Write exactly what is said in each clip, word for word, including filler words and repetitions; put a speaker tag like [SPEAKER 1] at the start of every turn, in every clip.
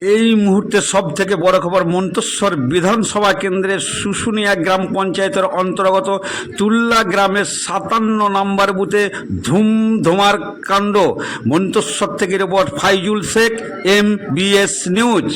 [SPEAKER 1] এই মুহূর্তে সব থেকে বড় খবর, মন্তেশ্বর বিধানসভা কেন্দ্রের শুশুনিয়া গ্রাম পঞ্চায়েতের অন্তর্গত তুল্লা গ্রামের সাতান্ন নম্বর বুথে ধুমধুমার কাণ্ড। মন্তেশ্বর থেকে report Faizul Sheikh, M B S news.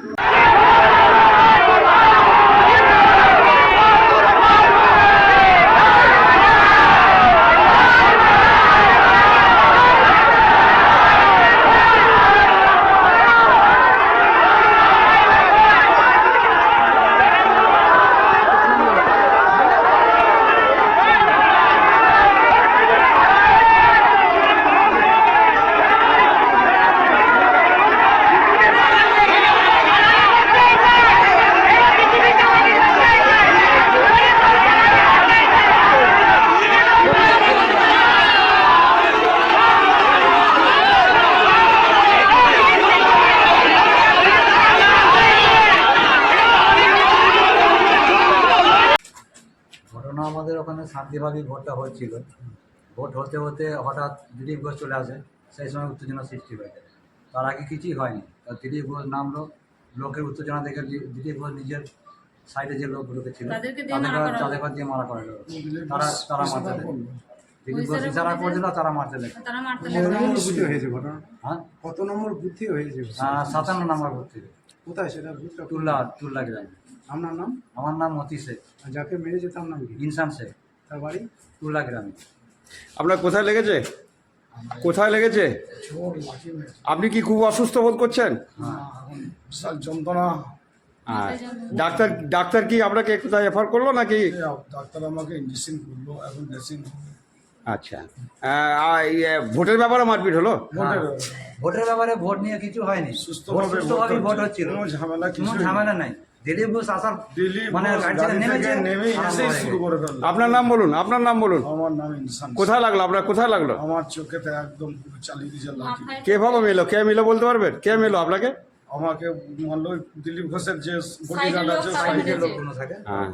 [SPEAKER 2] ঘটনা আমাদের ওখানে শান্তিভাবেই ভোটটা হচ্ছিল। ভোট হতে হতে হঠাৎ দিলীপ ঘোষ চলে আসে, সেই সময় উত্তেজনা সৃষ্টি হয়ে যায়। তার আগে কিছুই হয়নি, তার দিলীপ ঘোষ নামলো, লোকের উত্তেজনা দেখে দিলীপ ঘোষ নিজের সাইডে যে লোকগুলোকে ছিল তাদেরকে তাদেরকে দিয়ে মারা করে দিল। তারা তারা মারতে দেয়, দিলীপ ঘোষ ইশারা করে দিল, তারা মারতে দেয়।
[SPEAKER 3] বুথে হয়েছে ঘটনা?
[SPEAKER 2] হ্যাঁ,
[SPEAKER 3] কত নম্বর বুথে হয়েছে?
[SPEAKER 2] সাতান্ন নম্বর ভোট থেকে।
[SPEAKER 3] কোথায় সেটা? বুথটা
[SPEAKER 2] তুল্লা তুল্লা গ্রামে।
[SPEAKER 3] আপনার নাম?
[SPEAKER 2] আমার নাম মতি শেখ।
[SPEAKER 3] আর যাকে মেরেছে তার নাম কি?
[SPEAKER 2] ইনসান শেখ।
[SPEAKER 3] তার বাড়ি
[SPEAKER 2] তুল্লা গ্রামে।
[SPEAKER 1] আপনার কোথায় লেগেছে? কোথায় লেগেছে? আপনি কি খুব অসুস্থ বোধ করছেন?
[SPEAKER 3] বিশাল যন্ত্রণা।
[SPEAKER 1] আর ডাক্তার ডাক্তার কি আপনাকে কোথায় রেফার করলো নাকি?
[SPEAKER 3] ডাক্তার আমাকে ইঞ্জেকশন করলো, এখন ড্রেসিং।
[SPEAKER 1] আচ্ছা, ভোটের ব্যাপারে মারপিট হলো?
[SPEAKER 2] ভোটের ব্যাপারে ভোট নিয়ে কিছু হয়নি, সুস্থভাবে ভোট হচ্ছিল,
[SPEAKER 3] কোনো ঝামেলা
[SPEAKER 2] কোনো ঝামেলা নাই। দিলীপ ঘোষ আসার মানে
[SPEAKER 3] নেমে এসেই শুরু করে ফেললো।
[SPEAKER 1] আপনার নাম বলুন, আপনার নাম বলুন।
[SPEAKER 3] আমার নাম ইনসান।
[SPEAKER 1] কোথায় লাগলো আপনার? কোথায় লাগলো?
[SPEAKER 3] আমার চোখেতে একদম পুরো চালিয়ে দিয়েছে লাঠি।
[SPEAKER 1] কে ভাবে মেলো? কে মিলো বলতে পারবেন? কে মেলো আপনাকে?
[SPEAKER 3] আমাকে মানলো দিলীপ ঘোষের যে বডিগার্ড আছে,
[SPEAKER 2] সাইডের লোকগুলো থাকে।
[SPEAKER 1] হ্যাঁ,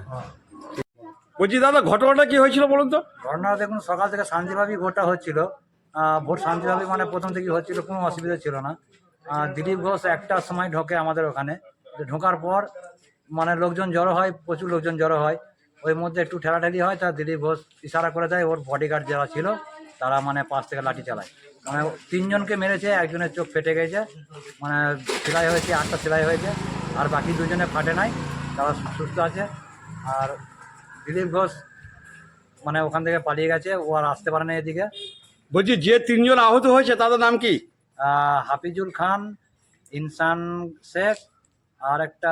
[SPEAKER 1] বলছি দাদা, ঘটনাটা কি হয়েছিল বলুন তো?
[SPEAKER 2] ঘটনা দেখুন, সকাল থেকে শান্তিভাবেই ভোটটা হচ্ছিল। ভোট শান্তিভাবে মানে প্রথম থেকে হচ্ছিল, কোনো অসুবিধা ছিল না। দিলীপ ঘোষ একটার সময় ঢোকে আমাদের ওখানে। ঢোকার পর মানে লোকজন জড়ো হয়, প্রচুর লোকজন জড়ো হয়। ওই মধ্যে একটু ঠেলাঠেলি হয়, তা দিলীপ ঘোষ ইশারা করে দেয়, ওর বডিগার্ড যারা ছিল তারা মানে পাশ থেকে লাঠি চালায়। মানে তিনজনকে মেরেছে, একজনের চোখ ফেটে গেছে, মানে সেলাই হয়েছে, আটটা সেলাই হয়েছে, আর বাকি দুজনে ফাটে নাই, তারা সুস্থ আছে। আর দিলীপ ঘোষ মানে ওখান থেকে পালিয়ে গেছে, ও আর আসতে পারে না এদিকে।
[SPEAKER 1] বলছি যে তিনজন আহত হয়েছে তাদের নাম কি?
[SPEAKER 2] হাফিজুল খান, ইনসান শেখ, আর একটা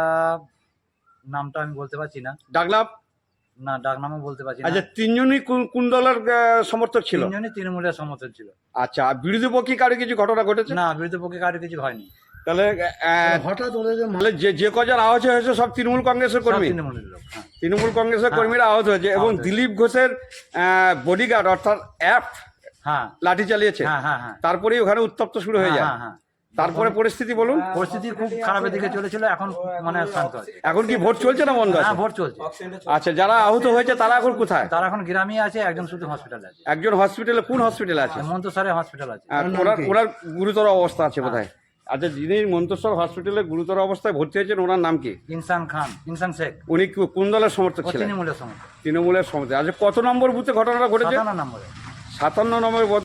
[SPEAKER 2] নামটা আমি বলতে পারছি না।
[SPEAKER 1] ডাকলাম
[SPEAKER 2] না, ডাক নামও বলতে পারছি না।
[SPEAKER 1] আচ্ছা, তিনজনই কোন- কোন দলের আহ, সমর্থক ছিল?
[SPEAKER 2] তিনজনই তৃণমূলের সমর্থক ছিল।
[SPEAKER 1] আচ্ছা, বিরোধী পক্ষে কারো কিছু ঘটনা ঘটেছে?
[SPEAKER 2] না, বিরোধী পক্ষে কারো কিছু হয়নি।
[SPEAKER 1] তাহলে আহ,
[SPEAKER 3] হঠাৎ ওদের যে
[SPEAKER 1] তাহলে যে যে কজন আহত হয়েছে সব তৃণমূল কংগ্রেসের
[SPEAKER 2] সব
[SPEAKER 1] কর্মী?
[SPEAKER 2] তৃণমূলের লোক। হ্যাঁ,
[SPEAKER 1] তৃণমূল কংগ্রেসের কর্মীরা আহত হয়েছে এবং
[SPEAKER 2] আহত হয়েছে।
[SPEAKER 1] দিলীপ ঘোষের বডিগার্ড অর্থাৎ অ্যাপ
[SPEAKER 2] হ্যাঁ,
[SPEAKER 1] লাঠি চালিয়েছে।
[SPEAKER 2] হ্যাঁ, হ্যাঁ, হ্যাঁ,
[SPEAKER 1] তারপরেই ওখানে উত্তপ্ত শুরু হয়ে যায়।
[SPEAKER 2] হ্যাঁ, হ্যাঁ।
[SPEAKER 1] তারপরে পরিস্থিতি বলুন।
[SPEAKER 2] পরিস্থিতি খুব খারাপের দিকে চলেছিল, এখন মানে শান্ত আছে।
[SPEAKER 1] এখন কি ভোট চলছে না বন্ধ আছে?
[SPEAKER 2] হ্যাঁ, ভোট চলছে।
[SPEAKER 1] আচ্ছা, যারা আহত হয়েছে তারা এখন কোথায়?
[SPEAKER 2] তারা এখন গ্রামে আছে, একজন শুধু হসপিটালে আছে।
[SPEAKER 1] একজন হসপিটালে? কোন হসপিটালে আছে?
[SPEAKER 2] মন্তসরে হসপিটাল আছে।
[SPEAKER 1] আর ওনার ওনার গুরুতর অবস্থা আছে কোথায়? আচ্ছা, যিনি মন্তেশ্বর হসপিটালে গুরুতর অবস্থায় ভর্তি হয়েছেন ওনার নাম কি?
[SPEAKER 2] ইনসান খান, ইনসান শেখ।
[SPEAKER 1] উনি কি- কোন দলের সমর্থক
[SPEAKER 2] ও
[SPEAKER 1] ছিলেন?
[SPEAKER 2] তৃণমূলের সমর্থক।
[SPEAKER 1] তৃণমূলের সমর্থক। আচ্ছা, কত নম্বর বুথে ঘটনাটা ঘটেছে?
[SPEAKER 2] সাতান্ন নম্বরে।
[SPEAKER 1] সাতান্ন নম্বর